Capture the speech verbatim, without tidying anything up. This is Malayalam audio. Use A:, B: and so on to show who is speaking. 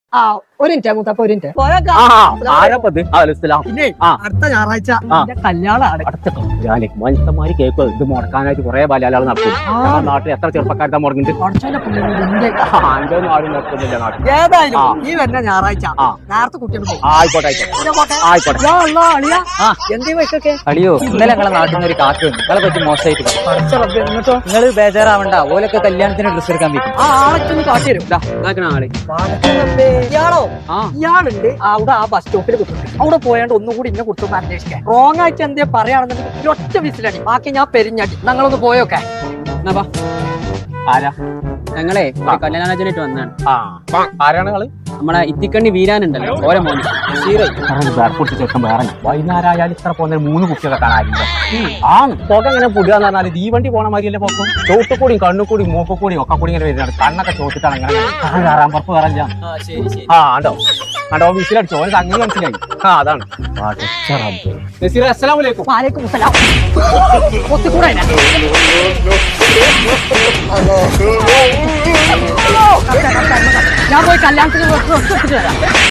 A: ആ ഒരു മിനിറ്റ് മൂത്തപ്പ ഒരു മിനിറ്റ് പിന്നെ അടുത്ത ഞായറാഴ്ച എന്റെ കല്യാണമാണ്.
B: മനുഷ്യന്മാര് കേക്ക് ഇത് മുടക്കാനായിട്ട് കുറെ ബലാലാൾ നടക്കും. നാട്ടിൽ എത്ര ചെറുപ്പക്കാരുടെ മുടങ്ങുന്നുണ്ട്. ആരും നടക്കുന്നില്ല നാട്ടിൽ.
A: ഏതായാലും ഈ വരുന്ന ഞായറാഴ്ച നേരത്തെ കുട്ടികൾ
B: ആയിക്കോട്ടെ ആയിക്കോട്ടെ
A: എന്തേ വൈക്കൊക്കെ
C: അളിയോ ഇന്നലെ ഞങ്ങളെ നാട്ടിൽ നിന്ന് ഒരു കാറ്റ് വന്നു. നിങ്ങളെ പറ്റി മോശമായിട്ട്
A: എന്നിട്ടോ
C: നിങ്ങൾ ബേജാറാവണ്ട. ഓലൊക്കെ കല്യാണത്തിന് ഡ്രസ് എടുക്കാൻ പറ്റും.
A: ആ ആളൊക്കെ കാട്ടി തരും.
C: ആളെ
A: ഇയാളോ ഇയാളുണ്ട് അവിടെ ആ ബസ് സ്റ്റോപ്പിൽ കുത്തുന്നത്. അവിടെ പോയാണ്ട് ഒന്നുകൂടി ഇന്നെ കുറിച്ചൊന്ന് അന്വേഷിക്കാൻ. റോങ് ആയിട്ട് എന്തേ പറയുകയാണെന്നുണ്ടെങ്കിൽ ഒറ്റ വിസിലടി. ബാക്കി ഞാൻ പെരിഞ്ഞടി. ഞങ്ങളൊന്ന് പോയോക്കെ.
B: ആരാ
C: ഞങ്ങളെ കല്യാണാലോചനയായിട്ട് വന്നാണ്.
B: ആരാണ് നിങ്ങള്?
C: നമ്മളെ ഇത്തിക്കണ്ണി വീരാനുണ്ടല്ലോ ഓരോ മോന്
B: വേർപ്പൊട്ടി ചെറുക്കം വേറെ വൈകുന്നേരമായാലും ഇത്ര പോകുന്ന മൂന്ന് കുട്ടികളെ കാണാനില്ല. ആ പുക ഇങ്ങനെ പുടുകയെന്ന് പറഞ്ഞാൽ തീവണ്ടി പോണ മാതിരിയല്ലേ പോക്കും. ചോട്ടുകൂടിയും കണ്ണുകൂടിയും മൂക്കുകൂടിയും ഒക്കെ കൂടി ഇങ്ങനെ വരുന്നതാണ്. കണ്ണൊക്കെ ചോട്ടിട്ടാണ് ഇങ്ങനെ കയറാൻ പുറപ്പ് കയറില്ല. ആ ആണ്ടോ ആണ്ടോ വിസിലടിച്ചോ ഓന് സംഗതി മനസ്സിലായി. ആ അതാണ്. അസ്സലാമു
A: വാലേക്കും സലാം. ഒത്തുകൂടെ ഞാൻ പോയി കല്യാണത്തിന് വരാം.